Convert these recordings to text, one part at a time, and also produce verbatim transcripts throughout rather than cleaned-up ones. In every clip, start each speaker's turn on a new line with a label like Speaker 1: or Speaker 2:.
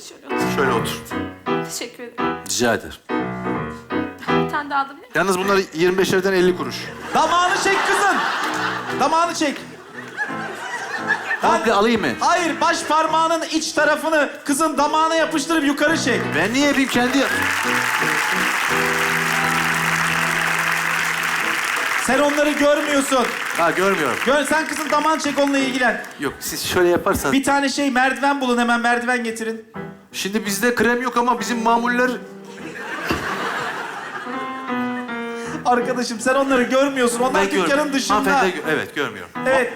Speaker 1: şöyle otur.
Speaker 2: Şöyle otur.
Speaker 1: Teşekkür ederim.
Speaker 2: Rica ederim.
Speaker 1: Bir tane daha alabilir miyim?
Speaker 2: Yalnız bunlar yirmi beşerden elli kuruş.
Speaker 3: Damağını çek kızın. Damağını çek.
Speaker 2: Komple alayım mı?
Speaker 3: Hayır, baş parmağının iç tarafını kızın damağına yapıştırıp yukarı çek.
Speaker 2: Ben niye yapayım kendi yap-
Speaker 3: Sen onları görmüyorsun.
Speaker 2: Ha görmüyorum.
Speaker 3: Gör, sen kızın damağını çek, onunla ilgilen.
Speaker 2: Yok siz şöyle yaparsanız.
Speaker 3: Bir tane şey merdiven bulun, hemen merdiven getirin.
Speaker 2: Şimdi bizde krem yok ama bizim mamuller...
Speaker 3: Arkadaşım sen onları görmüyorsun. Onlar
Speaker 2: Ben
Speaker 3: dükkanın
Speaker 2: görmüyorum.
Speaker 3: dışında.
Speaker 2: Hanımefendi gö- evet görmüyorum.
Speaker 3: Evet.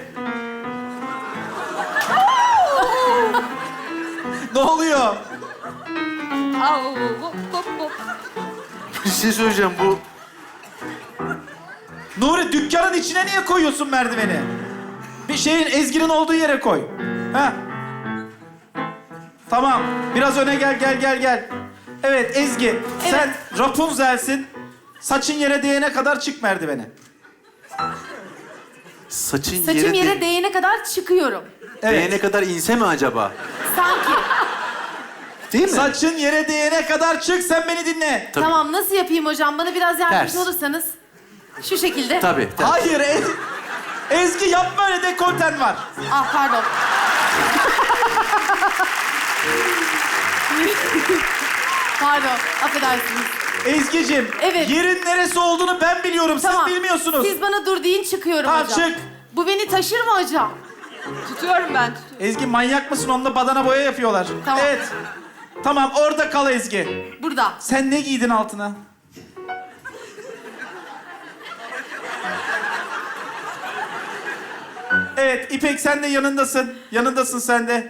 Speaker 3: Ne oluyor?
Speaker 1: Au, hop hop hop.
Speaker 2: Bir şey söyleyeceğim bu...
Speaker 3: Nuri, dükkanın içine niye koyuyorsun merdiveni? Bir şeyin, Ezgi'nin olduğu yere koy. Ha? Tamam. Biraz öne gel, gel, gel, gel. Evet Ezgi, sen Rapunzel'sin. Saçın yere değene kadar çık merdivene.
Speaker 2: Saçın
Speaker 4: Saçım
Speaker 2: yere,
Speaker 4: yere
Speaker 2: de-
Speaker 4: değene kadar çıkıyorum.
Speaker 3: Evet.
Speaker 2: değene kadar inse mi acaba?
Speaker 4: Sanki.
Speaker 2: Değil mi?
Speaker 3: Saçın yere değene kadar çık, sen beni dinle.
Speaker 2: Tabii.
Speaker 4: Tamam, nasıl yapayım hocam? Bana biraz yardımcı
Speaker 2: Ters.
Speaker 4: olursanız. Şu şekilde.
Speaker 2: Tabii. tabii.
Speaker 3: Hayır Ez- Ezgi yapma, öyle dekolten var.
Speaker 4: Ah pardon. Pardon, affedersiniz.
Speaker 3: Ezgi'cim,
Speaker 4: Evet.
Speaker 3: yerin neresi olduğunu ben biliyorum,
Speaker 4: Tamam.
Speaker 3: siz bilmiyorsunuz.
Speaker 4: Siz bana dur deyin, çıkıyorum
Speaker 3: Tamam,
Speaker 4: hocam.
Speaker 3: çık.
Speaker 4: Bu beni taşır mı hocam?
Speaker 1: Tutuyorum ben, tutuyorum.
Speaker 3: Ezgi manyak mısın? Onunla badana boya yapıyorlar.
Speaker 4: Tamam.
Speaker 3: Evet. Tamam, orada kal Ezgi.
Speaker 4: Burada.
Speaker 3: Sen ne giydin altına? Evet, İpek sen de yanındasın. Yanındasın sen de.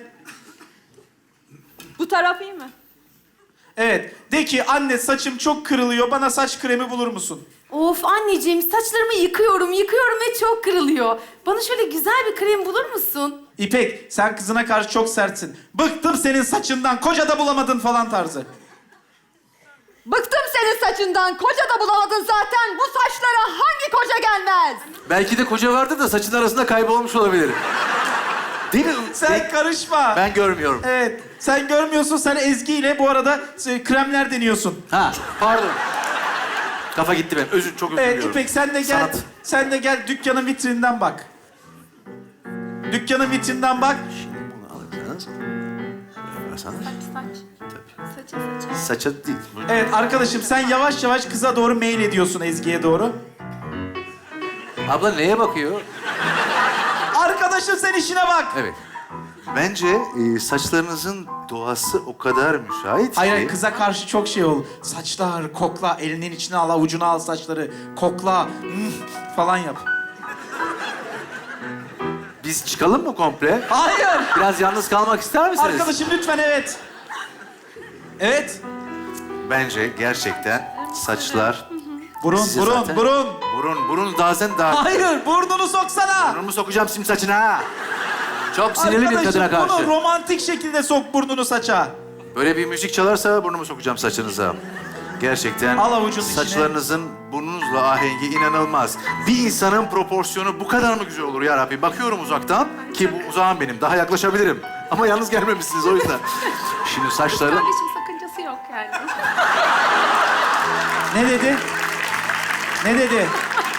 Speaker 1: Bu taraf iyi mi?
Speaker 3: Evet, de ki anne saçım çok kırılıyor, bana saç kremi bulur musun?
Speaker 4: Of anneciğim, saçlarımı yıkıyorum, yıkıyorum ve çok kırılıyor. Bana şöyle güzel bir krem bulur musun?
Speaker 3: İpek, sen kızına karşı çok sertsin. Bıktım senin saçından, koca da bulamadın falan tarzı.
Speaker 5: Bıktım senin saçından. Koca da bulamadın zaten. Bu saçlara hangi koca gelmez?
Speaker 2: Belki de koca vardı da saçın arasında kaybolmuş olabilir. Değil mi?
Speaker 3: Sen
Speaker 2: Ben,
Speaker 3: karışma.
Speaker 2: ben görmüyorum.
Speaker 3: Evet, sen görmüyorsun, sen Ezgi ile bu arada e, kremler deniyorsun.
Speaker 2: Ha pardon. Kafa gitti benim. Özür çok özür
Speaker 3: Evet
Speaker 2: diliyorum.
Speaker 3: İpek sen de gel,
Speaker 2: Sanat.
Speaker 3: sen de gel dükkanın vitrinden bak. Dükkanın vitrinden bak.
Speaker 2: Şimdi bunu alırsanız. Böyle yaparsanız.
Speaker 1: Saç, saç.
Speaker 2: Tabii.
Speaker 1: Saça, saça.
Speaker 2: Saça değil. Bu-
Speaker 3: Evet arkadaşım, sen yavaş yavaş kıza doğru mail ediyorsun, Ezgi'ye doğru.
Speaker 2: Abla neye bakıyor?
Speaker 3: Arkadaşım sen işine bak.
Speaker 2: Evet. Bence e, saçlarınızın doğası o kadar müsait ki...
Speaker 3: Hayır, hayır, kıza karşı çok şey ol. Saçlar, kokla, elinin içine al, avucuna al saçları. Kokla, hmm, falan yap.
Speaker 2: Biz çıkalım mı komple?
Speaker 3: Hayır.
Speaker 2: Biraz yalnız kalmak ister misiniz?
Speaker 3: Arkadaşım lütfen, evet. Evet.
Speaker 2: Bence gerçekten saçlar...
Speaker 3: Burun,
Speaker 2: size
Speaker 3: burun,
Speaker 2: zaten-
Speaker 3: burun.
Speaker 2: Burun, burun bazen daha...
Speaker 3: Hayır, burnunu soksana.
Speaker 2: Burnumu sokacağım sim saçına ha. Çok sinirli bir kadına
Speaker 3: Arkadaşım
Speaker 2: karşı.
Speaker 3: bunu romantik şekilde sok burnunu saça.
Speaker 2: Böyle bir müzik çalarsa burnumu sokacağım saçınıza. Gerçekten
Speaker 3: Al avucun içine.
Speaker 2: saçlarınızın burnunuzla ahengi inanılmaz. Bir insanın proporsiyonu bu kadar mı güzel olur ya Rabbi? Bakıyorum uzaktan ki bu uzağım benim. Daha yaklaşabilirim. Ama yalnız gelmemişsiniz o yüzden. Şimdi saçları...
Speaker 1: Kardeşim sakıncası yok yani.
Speaker 3: Ne dedi? Ne dedi?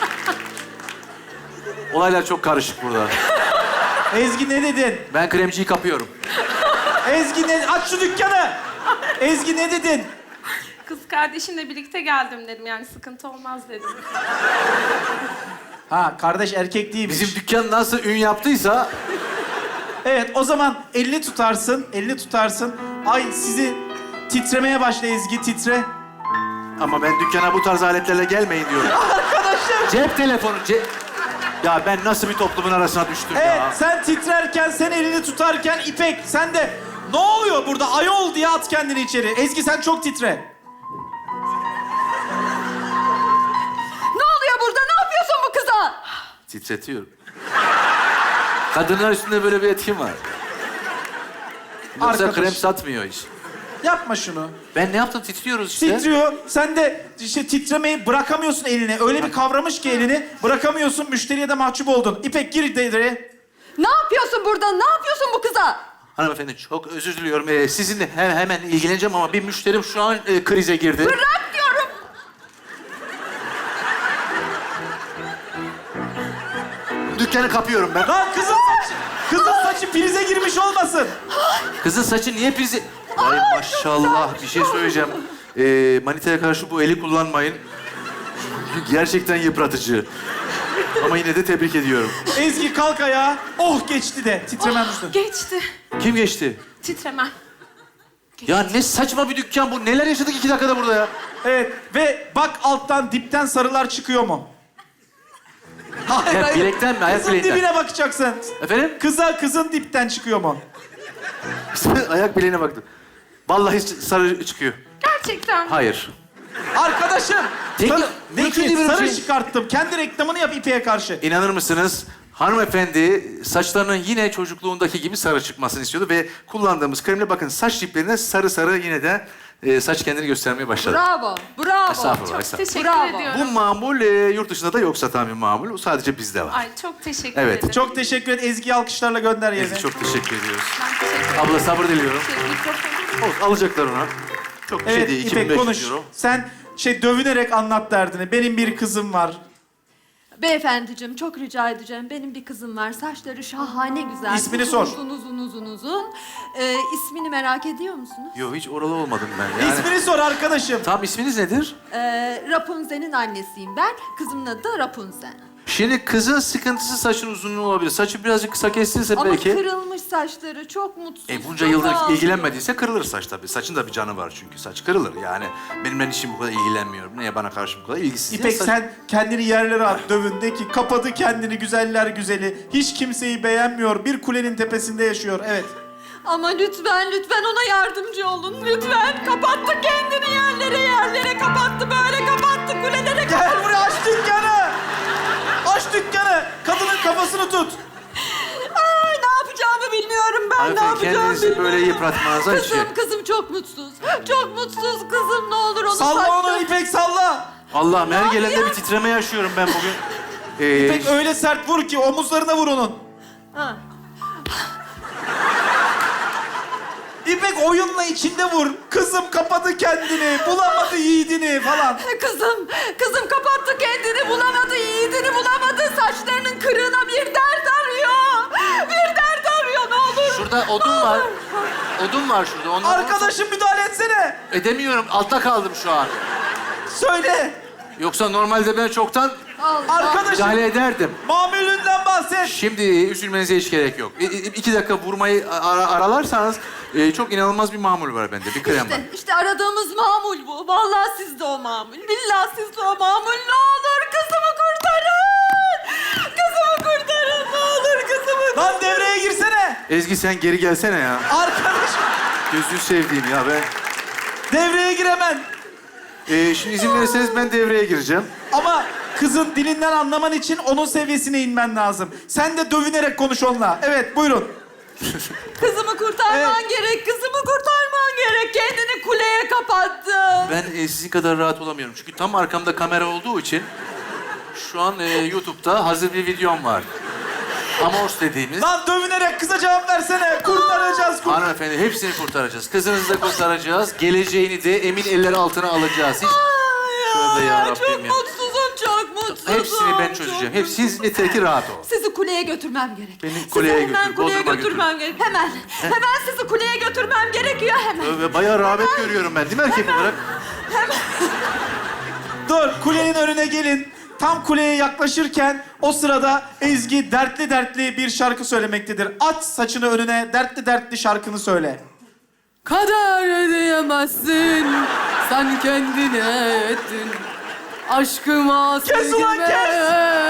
Speaker 2: Olaylar çok karışık burada.
Speaker 3: Ezgi ne dedin?
Speaker 2: Ben kremciyi kapıyorum.
Speaker 3: Ezgi ne? Aç şu dükkanı. Ezgi ne dedin?
Speaker 1: Kız kardeşimle birlikte geldim dedim, yani sıkıntı olmaz dedim.
Speaker 3: Ha, kardeş erkek değilmiş.
Speaker 2: Bizim dükkan nasıl ün yaptıysa...
Speaker 3: Evet, o zaman elini tutarsın, elini tutarsın. Ay sizi titremeye başla Ezgi, titre.
Speaker 2: Ama ben dükkana bu tarz aletlerle gelmeyin diyorum.
Speaker 3: Arkadaşım.
Speaker 2: Cep telefonu, cep... Ya ben nasıl bir toplumun arasına düştüm
Speaker 3: Evet,
Speaker 2: ya?
Speaker 3: sen titrerken, sen elini tutarken İpek, sen de ne oluyor burada ayol diye at kendini içeri. Ezgi sen çok titre.
Speaker 5: Ne oluyor burada? Ne yapıyorsun bu kıza?
Speaker 2: Titretiyorum. Kadınlar üstünde böyle bir etkim var. Yoksa
Speaker 3: Arkadaş.
Speaker 2: krem satmıyor hiç.
Speaker 3: Yapma şunu.
Speaker 2: Ben ne yaptım? Titriyoruz işte.
Speaker 3: Titriyor. Sen de işte titremeyi bırakamıyorsun elini. Öyle bir kavramış ki elini. Bırakamıyorsun. Müşteriye de mahcup oldun. İpek gir devreye.
Speaker 5: Ne yapıyorsun burada? Ne yapıyorsun bu kıza?
Speaker 2: Hanımefendi çok özür diliyorum. Ee, sizinle he- hemen ilgileneceğim ama bir müşterim şu an e, krize girdi.
Speaker 5: Bırak diyorum.
Speaker 2: Dükkanı kapıyorum ben.
Speaker 3: Lan kızın saçı, kızın saçı prize girmiş olmasın.
Speaker 2: Kızın saçı niye prizi... Ay maşallah bir şey söyleyeceğim. Ee, manitaya karşı bu eli kullanmayın. Çünkü gerçekten yıpratıcı. Ama yine de tebrik ediyorum.
Speaker 3: Ezgi kalk ayağa. Oh geçti de. Titremem düştü.
Speaker 1: Geçti.
Speaker 2: Kim geçti?
Speaker 1: Titremem.
Speaker 2: Ya ne saçma bir dükkan bu. Neler yaşadık iki dakikada burada ya?
Speaker 3: Evet ve bak alttan dipten sarılar çıkıyor mu? Hayır
Speaker 2: Ayak bilekten mi? Ayak
Speaker 3: Kızın
Speaker 2: bileğinden.
Speaker 3: dibine bakacaksın.
Speaker 2: Efendim?
Speaker 3: Kıza kızın dipten çıkıyor mu?
Speaker 2: Ayak bileğine baktım. Vallahi sarı çıkıyor.
Speaker 1: Gerçekten.
Speaker 2: Hayır.
Speaker 3: Arkadaşım.
Speaker 2: Peki,
Speaker 3: Sarı,
Speaker 2: mümkün
Speaker 3: peki,
Speaker 2: değil böyle bir
Speaker 3: sarı
Speaker 2: şey.
Speaker 3: çıkarttım. Kendi reklamını yap İpek'e karşı.
Speaker 2: İnanır mısınız? Hanımefendi saçlarının yine çocukluğundaki gibi sarı çıkmasını istiyordu ve kullandığımız kremle bakın saç diplerine sarı sarı yine de e, saç kendini göstermeye başladı.
Speaker 5: Bravo, bravo.
Speaker 2: Estağfurullah,
Speaker 1: Çok
Speaker 2: estağfurullah.
Speaker 1: teşekkür
Speaker 5: Bravo.
Speaker 1: ediyorum.
Speaker 2: Bu mamul e, yurt dışında da yok satan bir mamul. O sadece bizde var.
Speaker 1: Ay çok teşekkür
Speaker 2: Evet,
Speaker 1: ederim.
Speaker 3: Çok teşekkür et. Ezgi'yi alkışlarla gönder yerine.
Speaker 2: Ezgi çok teşekkür ediyoruz.
Speaker 1: Ben teşekkür ederim.
Speaker 2: Abla sabır diliyorum.
Speaker 1: Şey, mikrofonu-
Speaker 2: Olsun, alacaklar ona. Çok bir şey
Speaker 3: Evet
Speaker 2: değil.
Speaker 3: İpek
Speaker 2: iki bin beş
Speaker 3: konuş.
Speaker 2: yüz euro.
Speaker 3: Sen şey dövünerek anlat derdini. Benim bir kızım var.
Speaker 5: Beyefendiciğim çok rica edeceğim. Benim bir kızım var. Saçları şahane güzel.
Speaker 3: İsmini
Speaker 5: uzun,
Speaker 3: sor.
Speaker 5: Uzun uzun uzun uzun. Ee, ismini merak ediyor musunuz?
Speaker 2: Yok hiç oralı olmadım ben. Yani...
Speaker 3: İsmini sor arkadaşım.
Speaker 2: Tam isminiz nedir?
Speaker 5: Ee, Rapunzel'in annesiyim ben. Kızımın adı da Rapunzel.
Speaker 2: Şimdi kızın sıkıntısı saçın uzunluğu olabilir. Saçı birazcık kısa kestirse
Speaker 5: Ama
Speaker 2: belki...
Speaker 5: kırılmış saçları çok mutsuz.
Speaker 2: E bunca
Speaker 5: çok
Speaker 2: yıldır
Speaker 5: ağlıyor.
Speaker 2: ilgilenmediyse kırılır saç tabii. Saçın da bir canı var çünkü. Saç kırılır yani. Benimle işim bu kadar ilgilenmiyorum. Niye bana karşı bu kadar ilgisiz?
Speaker 3: İpek
Speaker 2: Saç-
Speaker 3: sen kendini yerlere at dövün de ki kapadı kendini güzeller güzeli. Hiç kimseyi beğenmiyor. Bir kulenin tepesinde yaşıyor. Evet.
Speaker 5: Ama lütfen lütfen ona yardımcı olun. Lütfen kapattı kendini yerlere yerlere kapattı böyle kapattı kulelere kapattı.
Speaker 3: Gel buraya aç dükkanı. Aç dükkanı. Kadının kafasını tut.
Speaker 5: Ay ne yapacağımı bilmiyorum ben ne
Speaker 2: Hanımefendi,
Speaker 5: yapacağımı
Speaker 2: kendinizi
Speaker 5: bilmiyorum.
Speaker 2: böyle yıpratmanıza hiç
Speaker 5: Kızım
Speaker 2: şey-
Speaker 5: kızım çok mutsuz. Çok mutsuz kızım ne olur onu
Speaker 3: Salla
Speaker 5: saçla-
Speaker 3: onu İpek salla.
Speaker 2: Allah'ım her gelende
Speaker 5: yapıyor?
Speaker 2: bir titreme yaşıyorum ben bugün. Ee,
Speaker 3: İpek öyle sert vur ki omuzlarına vur onun.
Speaker 5: Ha.
Speaker 3: İpek oyunla içinde vur. Kızım kapadı kendini, bulamadı yiğidini falan.
Speaker 5: Kızım, kızım kapattı kendini bulamadı, yiğidini bulamadı. Saçlarının kırığına bir dert arıyor. Bir dert arıyor ne olur.
Speaker 2: Şurada odun var. Odun var şurada. Ondan
Speaker 3: Arkadaşım müdahale etsene.
Speaker 2: Edemiyorum. Altta kaldım şu an.
Speaker 3: Söyle.
Speaker 2: Yoksa normalde ben çoktan
Speaker 5: Allah.
Speaker 3: Arkadaşım
Speaker 2: müdahale ederdim.
Speaker 3: mamulünden bahset.
Speaker 2: Şimdi üzülmenize hiç gerek yok. İ- i- iki dakika vurmayı ara- aralarsanız e, çok inanılmaz bir mamul var bende. Bir krem var.
Speaker 5: İşte, işte aradığımız mamul bu. Vallahi sizde o mamul. Billahi sizde o mamul. Ne olur kızımı kurtarın. Kızımı kurtarın. Ne olur kızımı.
Speaker 3: Lan devreye girsene.
Speaker 2: Ezgi sen geri gelsene ya.
Speaker 3: Arkadaşım
Speaker 2: Gözünü sevdiğim ya ben.
Speaker 3: devreye gir hemen.
Speaker 2: Ee, şimdi izin verirseniz ben devreye gireceğim.
Speaker 3: Ama kızın dilinden anlaman için onun seviyesine inmen lazım. Sen de dövünerek konuş onunla. Evet buyurun.
Speaker 5: Kızımı kurtarman
Speaker 3: Evet.
Speaker 5: gerek. Kızımı kurtarman gerek. Kendini kuleye kapattı.
Speaker 2: Ben e, sizin kadar rahat olamıyorum. Çünkü tam arkamda kamera olduğu için şu an e, YouTube'da hazır bir videom var. Amors dediğimiz.
Speaker 3: Lan dövünerek kıza cevap versene. Kurtaracağız. Kur
Speaker 2: Hanımefendi hepsini kurtaracağız. Kızınızı da kurtaracağız. Geleceğini de emin eller altına alacağız. Hiç... Tövbe
Speaker 5: Ya,
Speaker 2: yarabbim
Speaker 5: çok
Speaker 2: ya.
Speaker 5: mutsuzum, çok mutsuzum.
Speaker 2: Hepsini ben
Speaker 5: çok
Speaker 2: çözeceğim. Hep siz yeter ki rahat olun.
Speaker 5: Sizi kuleye götürmem gerek.
Speaker 2: Beni
Speaker 5: Sizi
Speaker 2: kuleye
Speaker 5: hemen
Speaker 2: götür,
Speaker 5: kuleye
Speaker 2: Bodrum'a
Speaker 5: götürmem gerek. Hemen. Hemen sizi kuleye götürmem gerekiyor hemen.
Speaker 2: Tövbe bayağı rağbet görüyorum ben değil mi erkek olarak?
Speaker 3: Dur kulenin önüne gelin. Tam kuleye yaklaşırken o sırada Ezgi dertli dertli bir şarkı söylemektedir. At saçını önüne dertli dertli şarkını söyle.
Speaker 4: Kader ödeyemezsin, sen kendine ettin. Aşkıma
Speaker 3: Kes ulan, kes!